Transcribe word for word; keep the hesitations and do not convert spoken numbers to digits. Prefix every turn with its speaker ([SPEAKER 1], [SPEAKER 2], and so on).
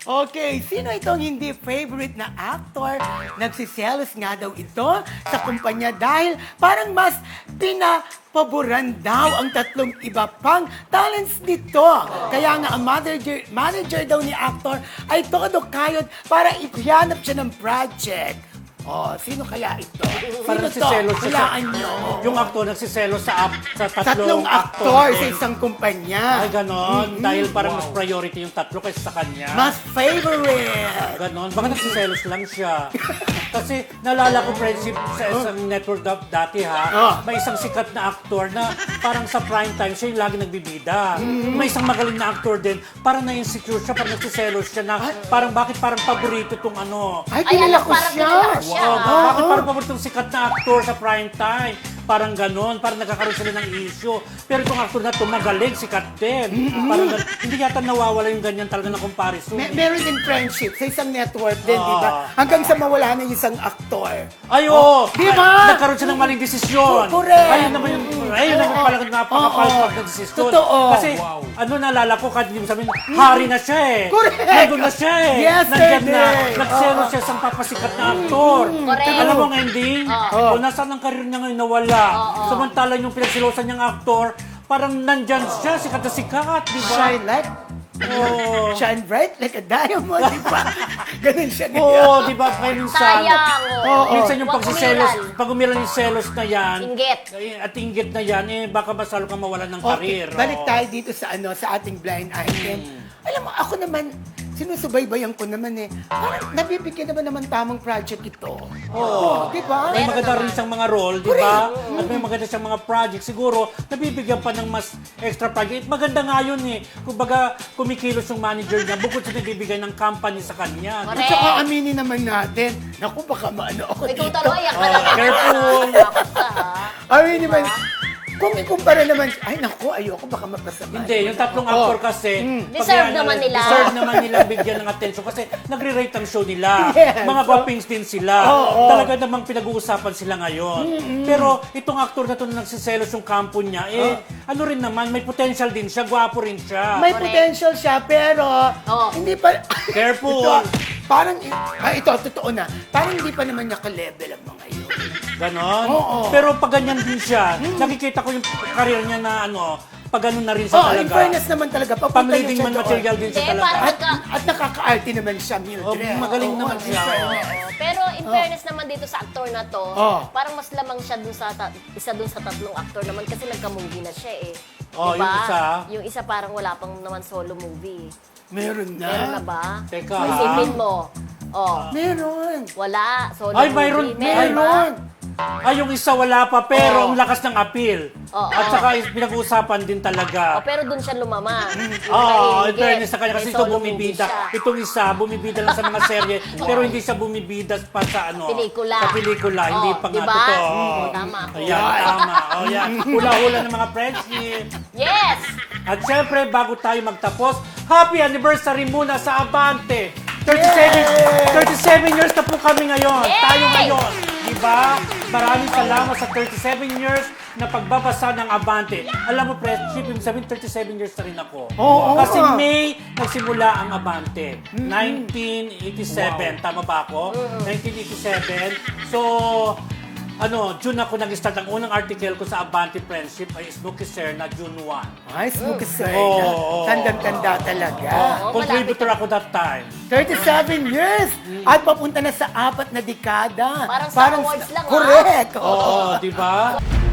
[SPEAKER 1] Okay, sino itong hindi favorite na actor? Nagsiselos nga daw ito sa kumpanya dahil parang mas pinapaboran daw ang tatlong iba pang talents nito. Kaya nga ang manager, manager daw ni actor ay todo kayod para ipihanap siya ng project. Oh, sino kaya ito?
[SPEAKER 2] Parang
[SPEAKER 1] Sino to?
[SPEAKER 2] nagsiselos siya sa-
[SPEAKER 1] Hulaan nyo.
[SPEAKER 2] Yung actor nagsiselo sa, ap- sa tatlong,
[SPEAKER 1] Tatlong aktor sa
[SPEAKER 2] din.
[SPEAKER 1] isang kumpanya.
[SPEAKER 2] Ay, ganon. Dahil parang mas priority yung tatlo kaysa sa kanya.
[SPEAKER 1] Mas favorite.
[SPEAKER 2] Ganon. Baka nagsiselos lang siya. Kasi nalala ko, friendship, sa isang network da- dati ha,
[SPEAKER 1] Oh.
[SPEAKER 2] may isang sikat na aktor na parang sa prime time siya yung lagi nagbibida. May isang magaling na aktor din, parang na-insecure siya, parang nagsiselos siya na parang bakit parang paborito tong ano.
[SPEAKER 1] Ay,
[SPEAKER 3] Ay,
[SPEAKER 1] kilala
[SPEAKER 3] alam,
[SPEAKER 1] ko
[SPEAKER 3] parang
[SPEAKER 1] siya.
[SPEAKER 3] kilala ko siya.
[SPEAKER 2] Wow,
[SPEAKER 3] ah.
[SPEAKER 2] bakit parang paboritong sikat na aktor sa prime time? Parang ganon, parang nagkakaroon sila ng issue. Pero itong aktor na ito, magaling, sikat din. Parang gan- hindi yata nawawala yung ganyan talaga na comparison.
[SPEAKER 1] May, meron din friendship sa isang network din,
[SPEAKER 2] Ah.
[SPEAKER 1] di ba? Hanggang sa mawala na yung isang aktor.
[SPEAKER 2] Ay, oo!
[SPEAKER 1] Di ba?
[SPEAKER 2] Nagkaroon siya ng maling desisyon.
[SPEAKER 1] Correct.
[SPEAKER 2] Ayun naman yung, ayun naman
[SPEAKER 1] Oo.
[SPEAKER 2] pala napakapalpag
[SPEAKER 1] Oo.
[SPEAKER 2] na desisyon.
[SPEAKER 1] Totoo.
[SPEAKER 2] Kasi, ano naalala ko, kahit hindi mo sabihin, hari na siya eh.
[SPEAKER 1] Correct.
[SPEAKER 2] Nandun na siya eh.
[SPEAKER 1] Yesterday.
[SPEAKER 2] Nandyan na. Nagselo siya sa papasikat na aktor.
[SPEAKER 3] Correct.
[SPEAKER 2] Alam mo ang ending?
[SPEAKER 1] Oo.
[SPEAKER 2] O, nasaan ang karir niya ngayon nawala. Samantalang yung pinagsilosan niyang aktor, parang nandyan siya, sikat na sikat, di ba?
[SPEAKER 1] Shine like,
[SPEAKER 2] Oo.
[SPEAKER 1] shine bright like a diamond, di ba? Ganun siya
[SPEAKER 2] Oo,
[SPEAKER 1] ganyan.
[SPEAKER 2] di ba? Kaya minsan,
[SPEAKER 3] Sayang.
[SPEAKER 1] Oo.
[SPEAKER 2] minsan yung
[SPEAKER 3] Huwag
[SPEAKER 2] pagsiselos,
[SPEAKER 3] umiral.
[SPEAKER 2] pag umiral yung selos na yan,
[SPEAKER 3] Inggit.
[SPEAKER 2] eh, at inggit na yan, eh, baka mas lalo kang mawalan ng karir.
[SPEAKER 1] Okay, balik
[SPEAKER 2] oo.
[SPEAKER 1] tayo dito sa ano sa ating blind item. Alam mo, ako naman, sinusubaybayan ko naman eh. Parang nabibigyan naman naman tamang project ito. Oo. Di ba?
[SPEAKER 2] May
[SPEAKER 3] Meron
[SPEAKER 2] maganda
[SPEAKER 3] naman.
[SPEAKER 2] rin siyang mga role, di ba? At may maganda siyang mga project. Siguro, nabibigyan pa ng mas extra project. Maganda nga yun eh. Kumbaga, kumikilos yung manager niya, bukod sa nagbibigay ng company sa kanya.
[SPEAKER 1] At
[SPEAKER 3] Correct.
[SPEAKER 1] saka aminin naman natin, naku, baka maano ako
[SPEAKER 3] Ikaw
[SPEAKER 1] dito.
[SPEAKER 3] tuloy, yan ka
[SPEAKER 2] Oh,
[SPEAKER 3] lang.
[SPEAKER 2] careful.
[SPEAKER 3] Takot ka, ha?
[SPEAKER 1] Aminin naman, kung ikumpara naman, ay naku, ayoko, baka mapasama.
[SPEAKER 2] Hindi, yung tatlong actor kasi, pag
[SPEAKER 3] Deserve
[SPEAKER 2] yan,
[SPEAKER 3] naman nila.
[SPEAKER 2] Deserve naman nilang bigyan ng attention kasi nagre-rate ang show nila.
[SPEAKER 1] Yes.
[SPEAKER 2] Mga guwapings din sila.
[SPEAKER 1] Oo.
[SPEAKER 2] Talaga namang pinag-uusapan sila ngayon. Pero itong actor na to na nagsiselos yung kampo niya, eh, ano rin naman, may potential din siya, gwapo rin siya.
[SPEAKER 1] May
[SPEAKER 3] Correct.
[SPEAKER 1] potential siya, pero
[SPEAKER 3] Oo.
[SPEAKER 1] hindi pa...
[SPEAKER 2] Careful.
[SPEAKER 1] ito, parang, ay, ito, totoo na. Parang hindi pa naman niya ka-level ang mga yun.
[SPEAKER 2] Ganon.
[SPEAKER 1] Oo.
[SPEAKER 2] Pero pag ganyan din siya, nakikita ko yung career niya na ano, pag ganun na rin siya
[SPEAKER 1] Oh,
[SPEAKER 2] talaga.
[SPEAKER 1] in fairness naman talaga, papunta
[SPEAKER 2] Pang-leading
[SPEAKER 1] yun siya
[SPEAKER 2] man
[SPEAKER 1] doon.
[SPEAKER 2] material din siya
[SPEAKER 3] Hindi,
[SPEAKER 2] talaga.
[SPEAKER 3] parang-
[SPEAKER 1] At, at nakaka-arte naman siya, Mildred.
[SPEAKER 2] Oh, magaling
[SPEAKER 1] Oo,
[SPEAKER 2] naman
[SPEAKER 1] in
[SPEAKER 2] siya.
[SPEAKER 1] fairness.
[SPEAKER 3] Oo. Pero in fairness naman dito sa aktor na to,
[SPEAKER 1] Oh.
[SPEAKER 3] parang mas lamang siya dun sa ta- isa dun sa tatlong aktor naman kasi nagka-movie na siya eh.
[SPEAKER 2] Oh,
[SPEAKER 3] Diba?
[SPEAKER 2] yung isa?
[SPEAKER 3] Yung isa parang wala pang naman solo movie.
[SPEAKER 1] Meron na.
[SPEAKER 3] Meron na ba?
[SPEAKER 2] Teka,
[SPEAKER 3] Isipin mo. Oh,
[SPEAKER 1] Meron.
[SPEAKER 3] wala. Solo
[SPEAKER 2] Ay,
[SPEAKER 3] movie.
[SPEAKER 2] mayroon,
[SPEAKER 3] Meron ba?
[SPEAKER 1] Meron.
[SPEAKER 2] Ay, yung isa wala pa, pero
[SPEAKER 3] Oo.
[SPEAKER 2] ang lakas ng appeal.
[SPEAKER 3] Oo.
[SPEAKER 2] At saka is- pinag-uusapan din
[SPEAKER 3] Oh,
[SPEAKER 2] talaga.
[SPEAKER 3] pero dun siya lumama. Yung
[SPEAKER 2] Oo, in
[SPEAKER 3] nahihigit.
[SPEAKER 2] fairness sa kanya kasi
[SPEAKER 3] May
[SPEAKER 2] ito
[SPEAKER 3] solo
[SPEAKER 2] bumibida.
[SPEAKER 3] movie siya.
[SPEAKER 2] Itong isa, bumibida lang sa mga serye, pero hindi siya bumibida pa sa ano.
[SPEAKER 3] Pelikula.
[SPEAKER 2] Sa pelikula, hindi
[SPEAKER 3] Oo,
[SPEAKER 2] pa nga
[SPEAKER 3] diba?
[SPEAKER 2] totoo.
[SPEAKER 3] Oo, tama ako.
[SPEAKER 2] Ayan, tama. Oh, yan. Hula-hula ng mga friendship.
[SPEAKER 3] Yes!
[SPEAKER 2] At syempre, bago tayo magtapos, happy anniversary muna sa Abante! thirty-seven, thirty-seven years na po kami ngayon.
[SPEAKER 3] Yay!
[SPEAKER 2] Tayo ngayon. Diba? Maraming salamat sa thirty-seven years na pagbabasa ng Abante. Alam mo, friendship, yung sabihin, thirty-seven years na rin ako.
[SPEAKER 1] Oo,
[SPEAKER 2] Kasi
[SPEAKER 1] nga.
[SPEAKER 2] May nagsimula ang Abante. nineteen eighty-seven. Tama ba ako? nineteen eighty-seven. So, ano, June ako nag-start. Ang unang article ko sa Abante Friendship ay Snooki Sir na June first.
[SPEAKER 1] Ay, smoke sir.
[SPEAKER 2] Oo, oo.
[SPEAKER 1] Tandang-tanda talaga.
[SPEAKER 3] Oo,
[SPEAKER 2] Contributor ako that time.
[SPEAKER 1] thirty-seven years! At papunta na sa apat na dekada.
[SPEAKER 3] Parang sa awards lang, ah.
[SPEAKER 1] Correct! Oo.
[SPEAKER 2] Oo, di ba?